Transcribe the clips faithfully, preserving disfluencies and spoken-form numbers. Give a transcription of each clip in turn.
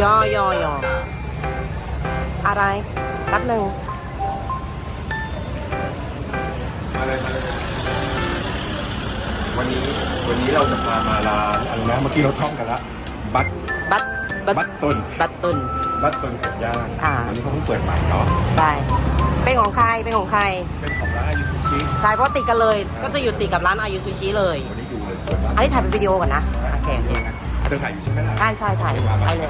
ย่อย่อย่ออะไรแป๊บหนึ่งวันนี้วันนี้เราจะพามาร้านอะไรนะเมื่อกี้เราท่องกันละบัตบัตบัตบัตตุนบัตตุนบัตตุนเป็ดย่างอ่าอันนี้เขาเพิ่งเปิดใหม่เนาะใช่เป็นของใครเป็นของใครเป็นของร้านอายุซูชิใช่เพราะติดกันเลยก็จะอยู่ติดกับร้านอายุซูชิเลยวันนี้ดูเลยเปิดร้านอันนี้ถ่ายเป็นวิดีโอก่อนนะโอเคโอเคเธอถ่ายอยู่ใช่ไหมล่ะใช่ใช่ถ่ายไปเลย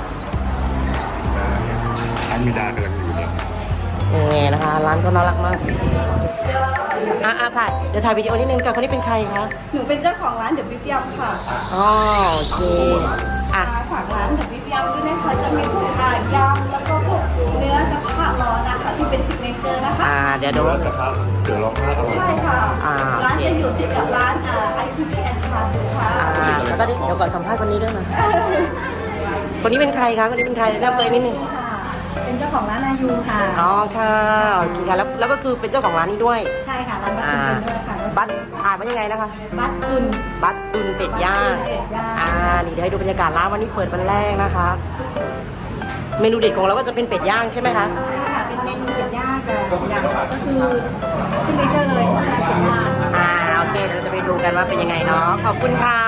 อันมีดากำลังอยู่เนี่ยนี่นะคะร้านก็น่ารักมากอ่ะอ่ะถ่ายเดี๋ยวถ่ายวิดีโอนิดนึงกับคนนี้เป็นใครคะหนูเป็นเจ้าของร้านเดอะบิ๊กยำค่ะอ๋อโอเคอ่ะฝากร้านเดอะบิ๊กยำด้วยนะคะจะมีพวกอ่ายำแล้วก็พวกเนื้อกระทะร้อนนะคะที่เป็นซิกเนเจอร์นะคะอ่าเดี๋ยวดูเนื้อกระทะเสือร้องไห้อร่อยใช่ค่ะอ่าร้านจะอยู่ติดกับร้านอ่าไอคิชิแอนชาบูค่ะอ่าแล้วก็เดี๋ยวก่อนสัมภาษณ์คนนี้ด้วยนะคนนี้เป็นใครคะคนนี้เป็นใครแนะนำตัวเองนิดนึงค่ะเป็นเจ้าของร้านอายุค่ะอ๋อค่ะโอเคค่ะแล้วแล้วก็คือเป็นเจ้าของร้านนี้ด้วยใช่ค่ะร้านบัตอ่าตุนเป็นด้วยค่ะบัตอ่านว่ายังไงนะคะบัตตุนบัตตุนเป็ดย่างบัตตุนเป็ดย่างอ่านี่เดี๋ยวให้ดูบรรยากาศร้านวันนี้เปิดวันแรกนะคะ เมนูเด็ดของเราก็จะเป็นเป็ดย่างใช่ไหมคะใช่ค่ะเป็นเมนูเป็ดย่างแต่อย่างก็คือซิกเนเจอร์เลยของร้านเป็ดย่างอ่าโอเคเดี๋ยวเราจะไปดูกันว่าเป็นยังไงเนาะขอบคุณค่ะ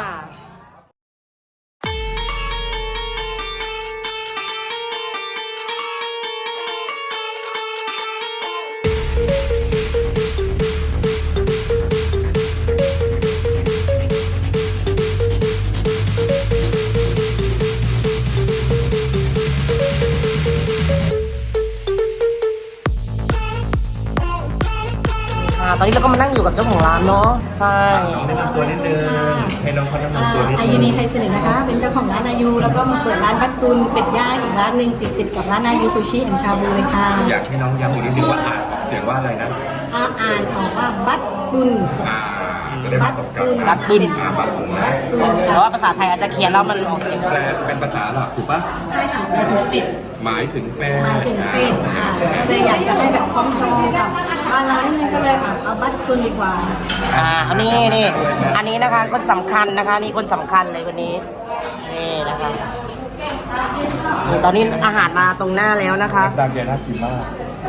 ตอนนี้เราก็มานั่งอยู่กับเจ้าของร้านเนาะใช่แนะนำตัวนิดนึงให้น้องเขาแนะนำตัวนิดนึงอายุนีไทยสนิทนะคะ เป็นเจ้าของร้านอายุแล้วก็มาเปิดร้านบัตตุนเป็ดย่างอีกร้านหนึ่งติดติดกับร้านอายุซูชิแอนชาบูเลยค่ะอยากให้น้องย้ำอีกนิดนึงว่าอ่านออกเสียงว่าอะไรนะอาอ่านออกว่าบัตตุนอ่าจะได้ไม่ตกกันนะบัตตุนอ่าบัตตุนนะแต่ว่าภาษาไทยอาจจะเขียนแล้วมันออกเสียงแปลเป็นภาษาหลักถูกปะใช่ค่ะเป็นเป็ดหมายถึงเป็ดหมายถึงเป็ดค่ะก็เลยอยากจะให้แบบคล้องจองกับร้านร้านนึงก็เลยอ่ะเอาบัตตุนดีกว่าอ่าอันนี้นี่อันนี้นะคะคนสำคัญนะคะนี่คนสำคัญเลยคนนี้นี่นะคะนี่ตอนนี้อาหารมาตรงหน้าแล้วนะคะดาเกียน่ากินมาก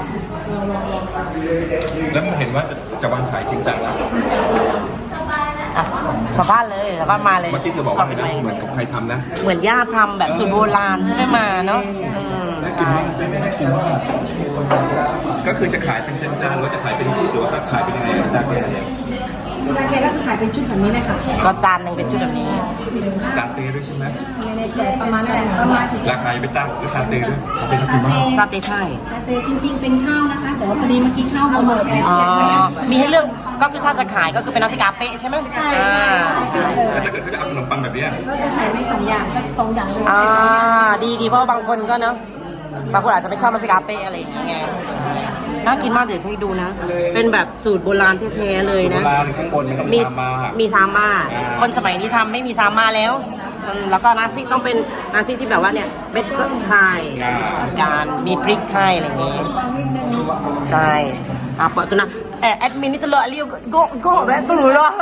แล้วมันเห็นว่าจะจะวางขายจริงจังแล้วอ่ะสัมภาษณ์เลยสัมภาษณ์มาเลยเมื่อกี้เธอบอกว่าอะไรนะเหมือนกับใครทำนะเหมือนย่าทำแบบสูตรโบราณใช่ไหมมาเนาะอืมน่ากินใช่มากไม่น่ากินมากก็คือจะขายเป็นจานๆหรือว่าจะขายเป็นชิ้นหรือว่าขายเป็นยังไงดาเกียเนี่ยซึ่งร้านแกก็คือขายเป็นชุดแบบนี้เลยค่ะก็จานหนึ่งเป็นชุดแบบนี้ซาเต้ด้วยใช่ไหมในใจประมาณนั้นประมาณถึงราคายังไม่ตั้งด้วยซาเต้ด้วยซาเต้น่ากินมากซาเต้ใช่ซาเต้จริงๆเป็นข้าวนะคะ แต่ว่าพอดีเมื่อกี้ข้าวหมดแล้วอ๋อมีให้เลือกก็คือถ้าจะขายก็คือเป็นนาซิกาเป๊ะใช่ไหมใช่ใช่ใช่ค่ะแล้วถ้าเกิดเขาจะเอาขนมปังแบบเนี้ยก็จะใส่ไปสองอย่างก็สองอย่างเลยอ่าดีดีเพราะว่าบางคนก็เนาะบางคนอาจจะไม่ชอบนาซิกาเป๊ะอะไรอย่างเงี้ยน่ากินมากเดี๋ยวให้ดูนะ เป็นแบบสูตรโบราณแท้ๆเลยโบนะราณข้างบนมันต้องมีมีซามามีซาม่าอ่าคนสมัยนี้ทำไม่มีซาม่าแล้วอืมแล้วก็นาซิต้องเป็นนาซิที่แบบว่าเนี่ยเม็ดไทยการมีพริกไทยอะไรอย่างเงี้ยใช่อ่ะปะตุนะเอ่อแอดมินนี่ตลอดเรียกโกโก้แบบตุลอ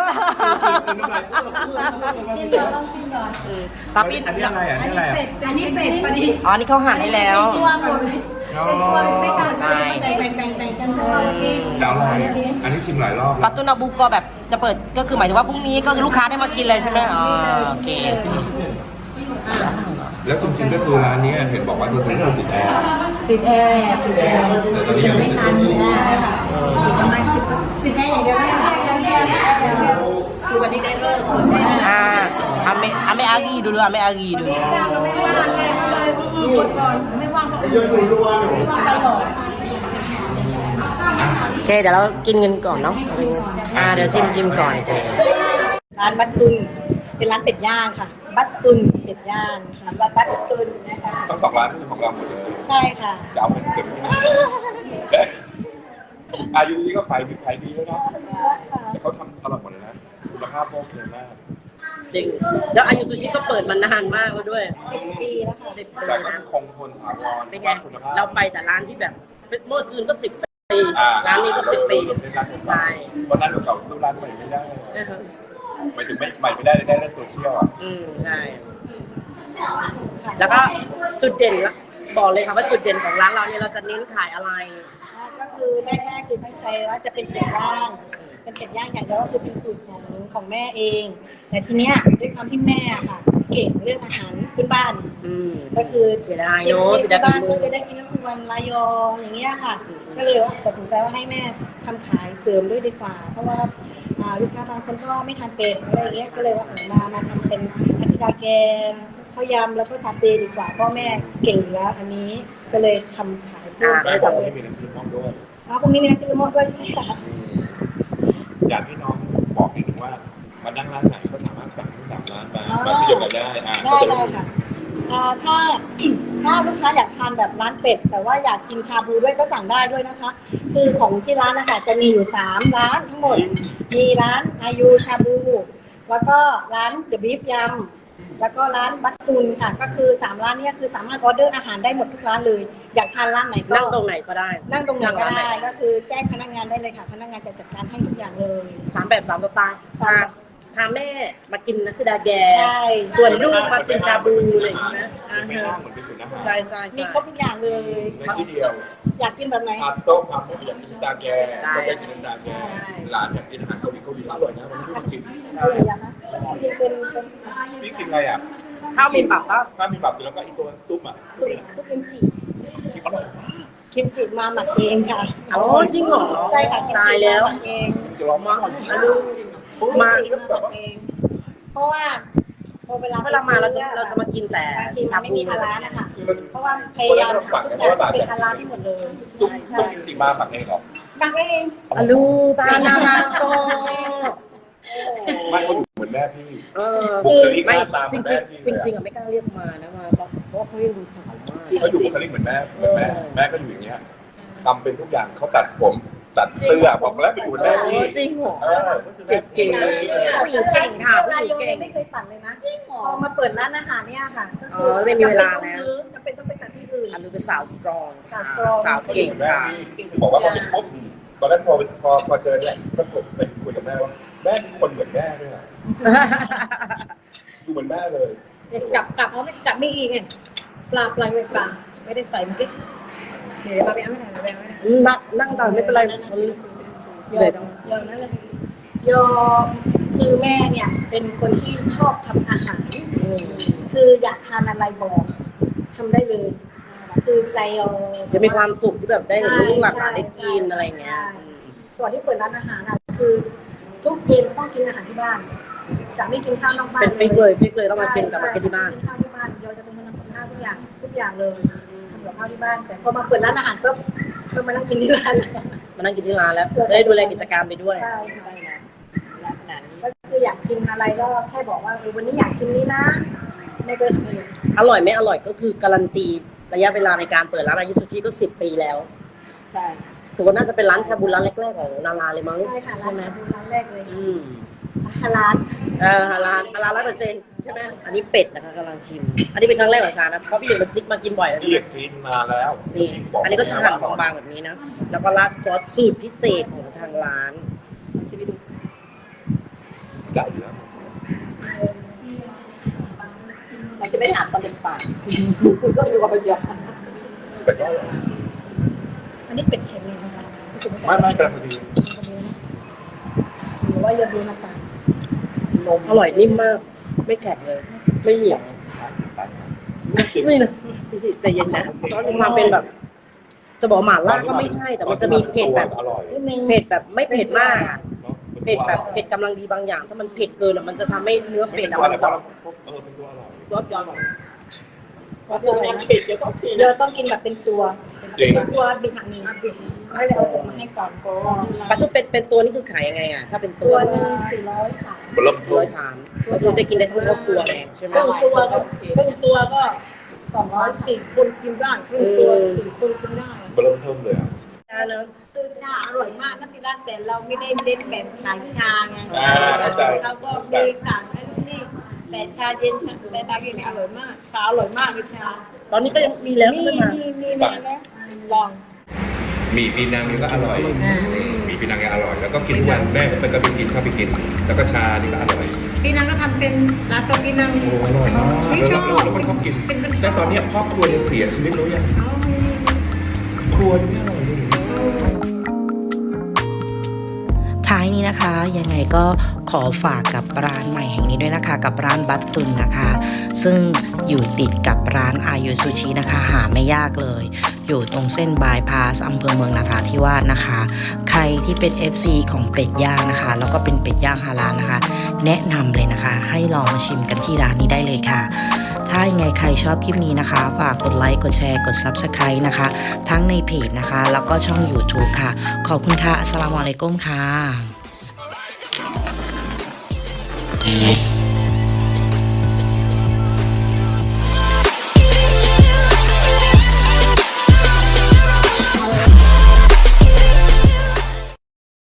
ตาปิดอันนี้อะไรอ่ะอันนี้อะไรอ่ะอันนี้เป็ดพอดีอ๋อนี่เขาหั่นให้แล้วชื่อว่าหมดเลยไม่กล้าใช่แบ่งแบ่งแบ่งกันเพราะว่าเมื่อกี้แต่อร่อยอันนี้ชิมหลายรอบแล้ปัวตตุนาบุก็แบบจะเปิดก็คือหมายถึงว่าพรุ่งนี้ก็คือลูกค้าได้มากินเลยใช่ไหมอ๋อโอเคโอเคแล้วจริงๆก็คือร้านนี้เห็นบอกว่าดูเป็นคนติดแอร์ติดแอร์ติดแอร์แต่ตอนนี้ยังไม่เสร็จสักทีใช่ค่ะติดประมาณสิบติดแอร์อย่างเดียวไม่ได้คือวันนี้ได้เลิกคนได้อ่าอเมอเมอากีdulu ame agi dulu ช่างก็ไม่ว่างไงหยุดก่อนไม่ว่างก็หยุดไม่ว่างตลอดโอเคเดี๋ยวเรากินกันก่อนเนาะอ่าเดี๋ยวชิมชิมก่อนร้านบัตตุนเป็นร้านเป็ดย่างค่ะ บัตตุนเป็ดย่างค่ะบัตบัตตุนนะคะต้องสองร้านคือของเราหมดเลยใช่ค่ะจะเอาเป็นเก็บอายุนี้ก็ขายดีขายดีแล้วเนาะแต่เขาทำอร่อยหมดเลยนะคุณภาพโอเคมากจริงแล้วอายุซูชิก็เปิดมานานมากแล้วด้วยสิบปีแล้วค่ะสิบปีแต่ก็นะคงทนถาวรเป็นไงคุณภาพเราไปแต่ร้านที่แบบเมื่อคืนก็สิบปีอ่ร้านนี้ก็สิบปีใช่วันนั้นเก่าสู้ร้านใหม่ไม่ได้หมายถึงไม่ใหม่ไม่ได้ได้เล่นโซเชียลอ่ะอืมใช่ค่ะแล้วก็จุดเด่นบอกเลยค่ะว่าจุดเด่นของร้านเราเนี่ยเราจะเน้นขายอะไรก็คือแรกๆคือตั้งใจว่าจะเป็นเป็ดย่างเป็นเป็ดย่างอย่างเดียวก็คือเป็นสูตรของของแม่เอง แต่ทีเนี้ยด้วยความที่แม่อะค่ะ เก่งเรื่องอาหารพื้นบ้านอืมก็คือเสียดายเนอะเสียดายบ้านฝีมืก็อจะได้กินน้ำมันระยองอย่างเงี้ยค่ะ ก็เลยว่าตัดสินใจว่าให้แม่ทำขายเสริมด้วยดีกว่า เพราะว่าอ่าลูกค้าบางคนก็ไม่ทานเป็ดอะไรอย่างเงี้ยก็เลยว่าเออมามาทำเป็นอาซิดาแกนข้าวยำแล้วก็ซาเต้ดีกว่าเพราะแม่เก่งอยู่แล้วอันนี้ก็เลยทำขายเพิ่มแม่ไปบอกเลว่าย ไม่มีน้ำซุปมอกด้วยอ๋อพรุ่งนี้มีนักชิมมอดด้วยใช่ไหมคะอยากให้น้องบอกนิดนึงว่ามานั่งร้านไหนก็สามารถสั่งทั้งสามร้านมามาขยับกันได้อ่าได้ได้ค่ะอ่าถ้า ถ้าลูกค้าอยากทานแบบร้านเป็ดแต่ว่าอยากกินชาบูด้วยก็สั่งได้ด้วยนะคะ คือของที่ร้านนะคะจะมีอยู่สามร้านทั้งหมด มีร้านอายุชาบู แล้วก็ร้านเดอะบีฟยำแล้วก็ร้านบัตตุนค่ะ ก็คือสามร้านเนี้คือสามารถออเดอร์อาหารได้หมดทุกร้านเลย อยากทานร้านไหนก็นั่งตรงไหนก็ได้นั่งตรงไหนก็ร้าได้ก็คือแจ้งพนักงานได้เลยค่ะ พนักงานจะจัดการให้ทุกอย่างเลยสามแบบสามสไตล์สามพาพาแม่มากินนัสดาแกใช่ส่วนลูกมากินชาบูเลยใช่ไหมอ่าไม่ฮะน่าเหมือนเป็นศูนย์อาหารใช่ใช่มีใช่ครบทุกอย่างเลยในที่เดียวอยากกินแบบไหนอาโต๊ะอาไม่อยากกินน้ำตาแกก็ได้กินน้ำตาแกร้านอยากกินอาหารเกาหลีเกาหลีอร่อยนะวันนี้พี่มากินเกาหลีอะคะกินเป็นเป็นพี่กินอะไรอ่ะข้าวมีปรับก็ข้าวมีปรับเสร็จแล้วก็อีตัวซุปอ่ะซุปซุปกิมจิชิมอร่อยมากกิมจิมาหมักเองค่ะอ๋อจริงเหรอใช่ค่ะกิมจิตายแล้วมหมักเองจะลองมากมาดูมากิมจิมาหมักเองเพราะว่าพอเวลาเวลามาเราจะเราจะมากินแต่บางทีชามันไม่บูมีฮาลาลนะคะคือเราเพราะว่าพยายามทำทุกอย่างเป็นฮาลาลที่หมดเลยซุปซุปกิมจิมาหมักเองเหรอหมักเองอาลูปานามาโกไม่เขาเหมือนแม่พี่เออบุคลิกหไม่น้าตาเหจมืริอนงแม่พี่จริงจริงๆอ่ะไม่กล้าเรียกมานะมาเพราะเพราะว่าเขายังดูสาวมากเขาอยู่บุคลิกเหมือนแม่เหมือนแม่แม่ก็อยู่อย่างเงี้ยทำเป็นทุกอย่างเขาตัดผมตัดเสื้อบอกแล้วไปอยู่เหมือนแม่พี่จริงเหรอเออเก่งเก่งเลยผู้หญิงเก่งค่ะผู้ราหญิโยงเก่งไม่เคยปั่นเลยนะจริงเหรอพอมาเปิดร้านอาหารเนี่ยค่ะก็คืเออไม่มีเวลาแล้วจะเป็นต้องไปตัดที่อื่นอาลูเป็นสาวสตรองสาว strong สาวเก่งแม่ค่ะพี่บอกว่าพอเป็นปุ๊บตอนนั้นพอพอพอเจอเนี่ยก็ไปคุยกับแม่ว่าแม่เป็นคนเหมือนแม่ด้วยอะดูเหมือนแม่เลยกลับกลับเขาไม่กลับไม่อีกไงปลาปลาไม่ปลาไม่ได้ใส่เมื่อกี้เดี๋ยวมาไปเอาไม่ได้ไปเอาไม่ได้นั่งนั่งก่อนไม่เป็นไรมันยเดี๋อยวมต้องยอมนั่นเลยยอมคือแม่เนี่ยเป็นคนที่ชอบทำอาหารอืมคืออยากทานอะไรบอกทำได้เลย คือใจเราจะมีความสุขที่แบบได้เห็นลูกหลานได้กินอะไรเงี้ยใช่ก่อนที่เปิดร้านอาหารอ่ะคือทุกเย็นต้องกินอาหารที่บ้าน จะไม่กินข้าวนอกบ้านเป็นฟิกเลยฟิกเลยต้องมากินกับมากินที่บ้านกินข้าวที่บ้านเราจะเป็นคนทำกับข้าวทุกอย่างทุกอย่างเลยทำกับข้าวที่บ้าน แต่พอมาเปิดร้านอาหารก็ก็มานั่งกินที่ร้านมานั่งกินที่ร้านแล้วจะได้ดูแลกิจการไปด้วยใช่ใช่นะก็คืออยากกินอะไรก็แค่บอกว่าเออวันนี้อยากกินนี้นะแม่ก็ทำเลยอร่อยไม่อร่อยก็คือการันตีระยะเวลาในการเปิดร้านอายุสุชิก็สิบปีแล้วใช่ถือว่าน่าจะเป็นร้านชาบูร้านแรกๆของนาราเลยมั้งใช่ค่ะร้านไหมชาบูร้านแรกเลยอืมร้านเออร้านร้านร้อยเปอร์เซ็นต์ใช่ไหมอันนี้เป็ดนะคะกำลังชิม อันนี้เป็นครั้งแรกของชานะเพราะพี่หนึ่งมันพลิกมากินบ่อยแล้วที่ใช่ไหมกินมาแล้วนี่อันนี้ก็จะหั่นบางๆแบบนี้นะแล้วก็ราดซอสสูตรพิเศษของทางร้านชิมไปดูได้อยู่แล้วเราจะไม่ถามตอนเป็นปากคุณก็ดูกับไปเยอะเป็ดก็อร่อยอันนี้เป็ดเค็มเลยนะคะไม่ไม่กำลังดีหรือว่าอย่าดูน้ำตาลนมอร่อยนิ่มมาก ไม่แข็งเลย ไม่เหนียว นี่นะใจเย็นนะซอสมีความเป็นแบบ จะบอกหม่าล่าก็ไม่ใช่ แต่มันจะมีเผ็ดแบบอร่อยนิดนึงเผ็ดแบบไม่เผ็ดมากอะเนาะเผ็ดแบบเผ็ดกำลังดีบางอย่าง ถ้ามันเผ็ดเกินอะมันจะทำให้เนื้อเป็เป็ดดอะอะไรมันก็แบบเออเป็นตัวอร่อยซอสยอดหรอซอสตัวอะไรนี้นะเผ็ดเยอะต้องเผ็ดเดี๋ยวต้องกินแบบเป็นตัวเป็นตัวบิดหนังนี้ให้ไปเอาผมมาให้ก่อนปลาทุกเป็นเป็นตัวนี่คือขายยังไงอ่ะ ถ้าเป็นตัตัว วหนึ่งสี่ร้อยสามบลมร้อยสามก็คือได้กินได้ทั้งครอบครัวเลยใช่ไหมครึ่งตัวก็ครึ่งตัวก็สองร้อยสี่คนกินได้ครึ่งตัวสี่คนกินได้บลมเพิ่มเลยอ่ะเนอะคือชาอร่อยมากนักที่ร้านแสนเราไม่ได้เน้นแบบขายชาไงอ่าเข้าใจแล้วก็มีสั่งไอ้นี่แต่ชาเย็นชาแต่ตากินเนี่ยอร่อยมาก ชาอร่อยมากเลยชาตอนนี้ก็ยังมีแล้วมีใช่ไหมมีมีแม่แล้วลองหมี่ปีนังนี่ก็อร่อยหมี่ปีนังเนี่ยอร่อย แล้วก็กินทุกวันแม่ก็ไปก็ไปกินเข้าไปกิน แล้วก็ชานี่ก็อร่อยพี่นางก็ทำเป็นลาโซกินังโอ้อร่อยมากไม่ชอบแล้วเราก็ชอบกินเป็นคนชอบแต่ตอนเนี้ยพ่อครัวจะเสียชีวิตแล้วยังเอาครัวนี่ไม่อร่อยเลยท้ายนี้นะคะยังไงก็ขอฝากกับร้านใหม่แห่งนี้ด้วยนะคะกับร้านบัตตุนนะคะ ซึ่งอยู่ติดกับร้านอายุซูชินะคะหาไม่ยากเลย อยู่ตรงเส้นบายพาสอำเภอเมืองนราธิวาสนะคะ ใครที่เป็น เอฟ ซี ของเป็ดย่างนะคะแล้วก็เป็นเป็ดย่างฮาลาลนะคะ แนะนำเลยนะคะ ให้ลองมาชิมกันที่ร้านนี้ได้เลยค่ะ ถ้ายังไงใครชอบคลิปนี้นะคะฝากกดไลค์กดแชร์กด ซับสไครบ์ นะคะ ทั้งในเพจนะคะแล้วก็ช่อง ยูทูบ ค่ะขอบคุณค่ะอัสสลามุอะลัยกุมค่ะ